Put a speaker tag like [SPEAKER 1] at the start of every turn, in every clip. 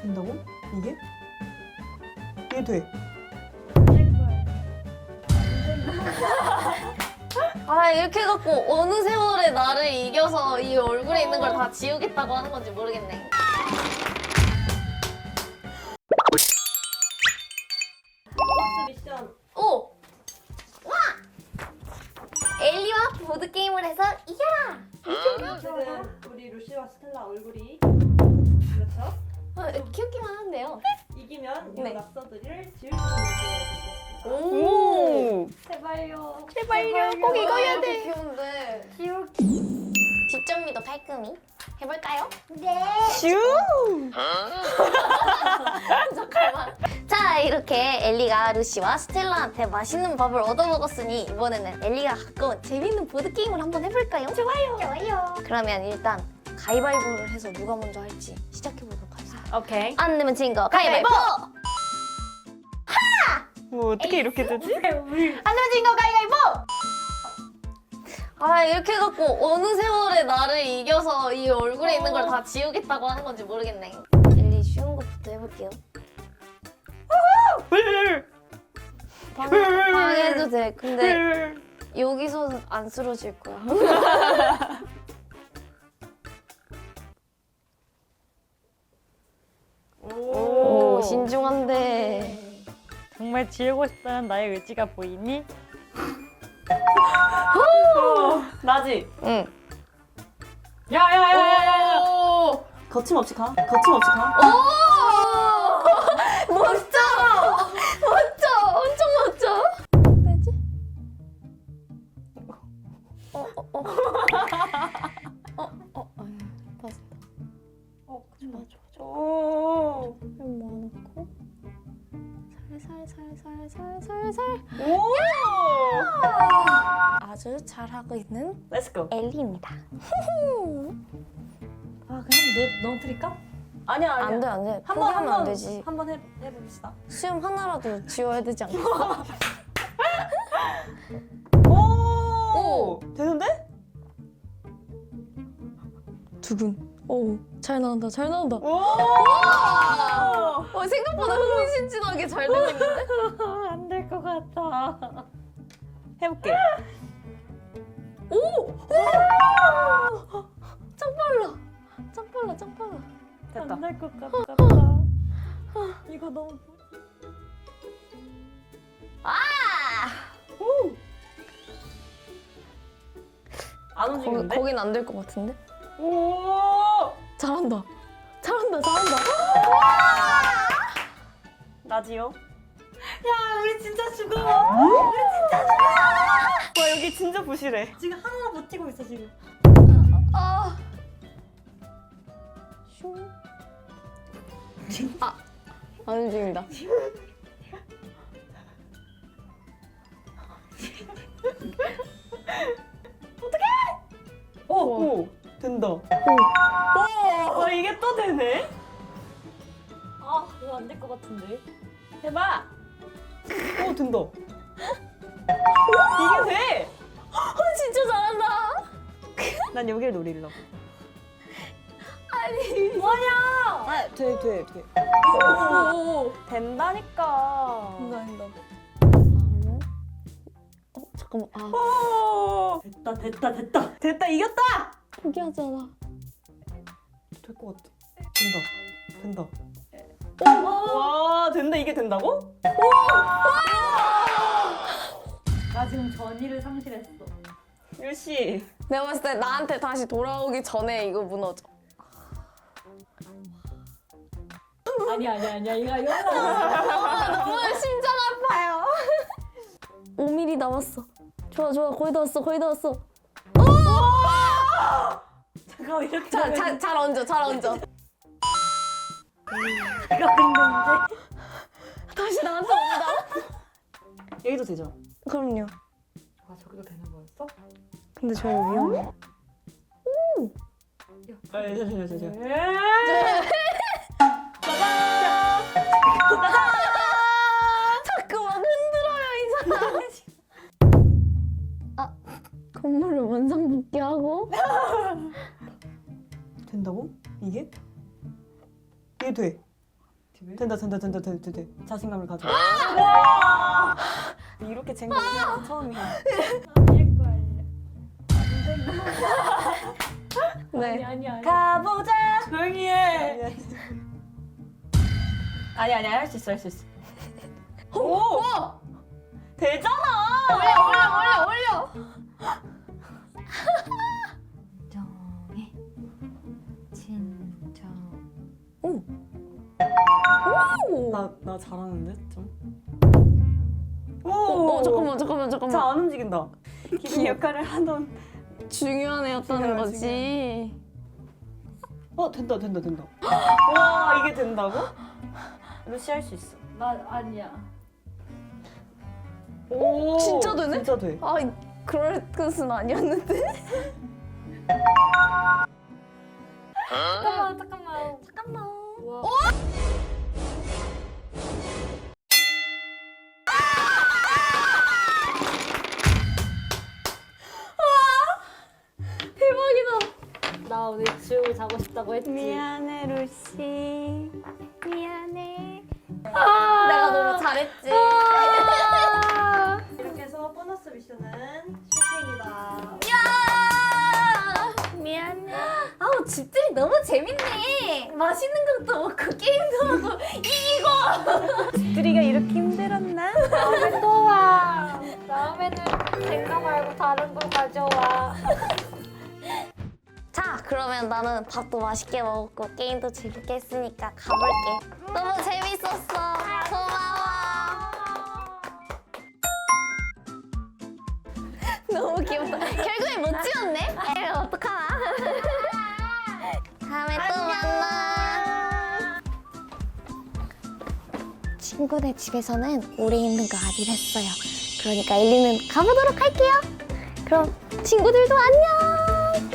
[SPEAKER 1] 된다고? 이게? 이게 돼?
[SPEAKER 2] 아 이렇게 해갖고 어느 세월에 나를 이겨서 이 얼굴에 있는 걸 다 지우겠다고 하는 건지 모르겠네.
[SPEAKER 3] 미션.
[SPEAKER 2] 오! 와! 엘리와 보드게임을 해서 이겨라!
[SPEAKER 3] 지금 우리 루시와 스텔라 얼굴이 그렇죠?
[SPEAKER 2] 귀엽기만 한데요.
[SPEAKER 3] 이기면 이
[SPEAKER 2] 네.
[SPEAKER 3] 낙서들을 지울 수 있는 기회를
[SPEAKER 1] 오!
[SPEAKER 3] 제발요.
[SPEAKER 2] 제발요, 꼭 이거야 돼.
[SPEAKER 3] 귀여운데.
[SPEAKER 2] 뒷점미도 깔끔히 해볼까요?
[SPEAKER 1] 슈!
[SPEAKER 2] 잠깐만. 자, 이렇게 엘리가 루시와 스텔라한테 맛있는 밥을 얻어먹었으니 이번에는 엘리가 가까운 재밌는 보드게임을 한번 해볼까요? 좋아요. 그러면 일단 가위바위보를 해서 누가 먼저 할지 시작해보도록 하겠습니다.
[SPEAKER 3] 오케이.
[SPEAKER 2] 안 내면 진 거 가위바위보!
[SPEAKER 1] 뭐 어떻게 이렇게 되지?
[SPEAKER 2] 안 내면 진 거 가위바위보! 아 이렇게 해갖고 어느 세월에 나를 이겨서 이 얼굴에 있는 걸 다 지우겠다고 하는 건지 모르겠네. 엘리 쉬운 것부터 해볼게요. 방해해도 돼. 근데 여기서 안 쓰러질 거야. 오 신중한데.
[SPEAKER 4] 정말 지우고 싶다는 나의 의지가 보이니?
[SPEAKER 1] 나지?
[SPEAKER 2] 응.
[SPEAKER 4] 야야야야야!
[SPEAKER 2] 오!
[SPEAKER 1] 거침없이 가. 거침없이 가.
[SPEAKER 2] 오! 멋져! 멋져! 엄청 멋져! 왜지? 봤어.
[SPEAKER 1] 오!
[SPEAKER 2] 이거 모아놓고 살살살살살살
[SPEAKER 1] 오!
[SPEAKER 2] 아주 잘하고 있는
[SPEAKER 1] Let's go.
[SPEAKER 2] 엘리입니다.
[SPEAKER 3] 아 그냥 넘어뜨릴까?
[SPEAKER 1] 아니야 아니야.
[SPEAKER 2] 안 돼, 안 돼.
[SPEAKER 1] 한번
[SPEAKER 2] 포기하면 안 되지.
[SPEAKER 1] 한번 해봅시다.
[SPEAKER 2] 수염 하나라도 지워야 되지 않겠어?
[SPEAKER 1] 오! 되는데?
[SPEAKER 2] 두근. 오, 잘 나온다, 잘 나온다.
[SPEAKER 1] 오!
[SPEAKER 2] 생각보다 흥미진진하게 잘 되고 있는데?
[SPEAKER 4] 안 될 것 같아.
[SPEAKER 1] 해볼게.
[SPEAKER 2] 짱 빨라. 짱 빨라, 짱 빨라.
[SPEAKER 1] 됐다.
[SPEAKER 4] 안 될 것 같다. 이거 너무
[SPEAKER 1] 안 움직이는데?
[SPEAKER 2] 거긴 안 될 것 같은데?
[SPEAKER 1] 오!
[SPEAKER 2] 잘한다. 잘한다, 잘한다.
[SPEAKER 1] 나지요?
[SPEAKER 3] 야 우리 진짜 죽어.
[SPEAKER 1] 와 여기 진짜 부실해.
[SPEAKER 3] 지금 하나 버티고 있어 지금.
[SPEAKER 2] 아. 슝. 아, 안 움직인다.
[SPEAKER 1] 오! 된다. 오! 이게 또 되네?
[SPEAKER 3] 아 이거 안 될 것 같은데.
[SPEAKER 1] 해봐! 오 된다. 이게 돼!
[SPEAKER 2] 진짜 잘한다.
[SPEAKER 1] 난 여길 노리려고.
[SPEAKER 3] 뭐냐?
[SPEAKER 1] 아, 돼.
[SPEAKER 2] 오.
[SPEAKER 1] 된다니까.
[SPEAKER 2] 된다. 잠깐만. 아,
[SPEAKER 1] 오! 됐다, 이겼다!
[SPEAKER 2] 포기하잖아.
[SPEAKER 1] 될 것 같아. 된다. 와, 된다, 이게 된다고?
[SPEAKER 3] 나 지금 전의를 상실했어.
[SPEAKER 1] 유씨.
[SPEAKER 2] 내가 봤을 때 나한테 다시 돌아오기 전에 이거 무너져.
[SPEAKER 3] 아니야 이거 연락.
[SPEAKER 2] 너무 심장 아파요. 5mm 남았어. 좋아, 거의 다 왔어.
[SPEAKER 3] 잠깐 이렇게.
[SPEAKER 2] 잘 얹어.
[SPEAKER 3] 이거 근데
[SPEAKER 2] 다시 나한테 온다.
[SPEAKER 1] 여기도 되죠?
[SPEAKER 2] 그럼요.
[SPEAKER 3] 아 저기도 되는 거였어?
[SPEAKER 2] 근데 저 위험해.
[SPEAKER 1] 아, 저.
[SPEAKER 2] 자꾸만 흔들어요 이 사람. 아, 건물을 원상복귀하고.
[SPEAKER 1] 된다고? 이게? 이게 돼. 된다. 자신감을 가져. 이렇게 쟁거 처음이야.
[SPEAKER 3] 아닐 거예요.
[SPEAKER 2] 네.
[SPEAKER 3] 아니.
[SPEAKER 1] 가보자. 조용히 해. 아니야 할 수 있어. 오. 되잖아.
[SPEAKER 2] 올려.
[SPEAKER 3] 정해. 진정.
[SPEAKER 1] 나 잘하는데 좀.
[SPEAKER 2] 잠깐만.
[SPEAKER 1] 잘 안 움직인다. 기둥 역할을 하던.
[SPEAKER 2] 중요한 애였다는
[SPEAKER 1] 중요해,
[SPEAKER 2] 거지.
[SPEAKER 1] 된다. 와 이게 된다고? 루시 할 수 있어.
[SPEAKER 3] 나 아니야.
[SPEAKER 1] 오
[SPEAKER 2] 진짜 되네?
[SPEAKER 1] 진짜 돼.
[SPEAKER 2] 아, 그럴 뜻은 아니었는데.
[SPEAKER 3] 잠깐만. 우와.
[SPEAKER 2] 대박이다.
[SPEAKER 3] 나 오늘 지우고 자고 싶다고 했지.
[SPEAKER 2] 미안해, 루시. 미안해. 내가 너무 잘했지.
[SPEAKER 1] 이렇게 해서 보너스 미션은 실패입니다.
[SPEAKER 2] 미안해. 아우, 집들이 너무 재밌네. 맛있는 것도 먹고 게임도 하고 이기고.
[SPEAKER 1] 집들이가 이렇게 힘들었나?
[SPEAKER 3] 다음에 또 와. 다음에는 생각 말고 다른 거 가져와.
[SPEAKER 2] 자, 그러면 나는 밥도 맛있게 먹었고 게임도 재밌게 했으니까 가볼게. 너무 재밌었어. 고마워. 너무 귀엽다. 결국에 못 지웠네? 에이, 어떡하나. 다음에 또 만나. 친구네 집에서는 오래 있는 거 아니랬어요. 그러니까 엘리는 가보도록 할게요. 그럼 친구들도 안녕.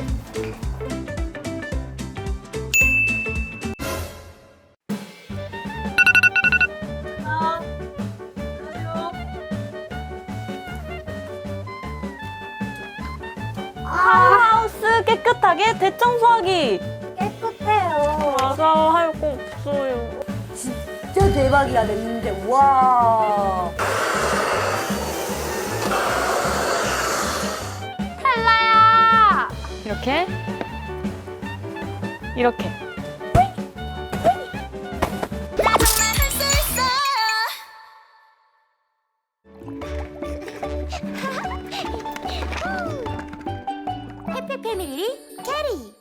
[SPEAKER 1] 하우스 깨끗하게 대청소하기.
[SPEAKER 3] 깨끗해요.
[SPEAKER 1] 맞아 할 거 없어요.
[SPEAKER 3] 진짜 대박이야 됐는데 와.
[SPEAKER 4] 이렇게 이렇게.
[SPEAKER 2] 해피 패밀리 캐리.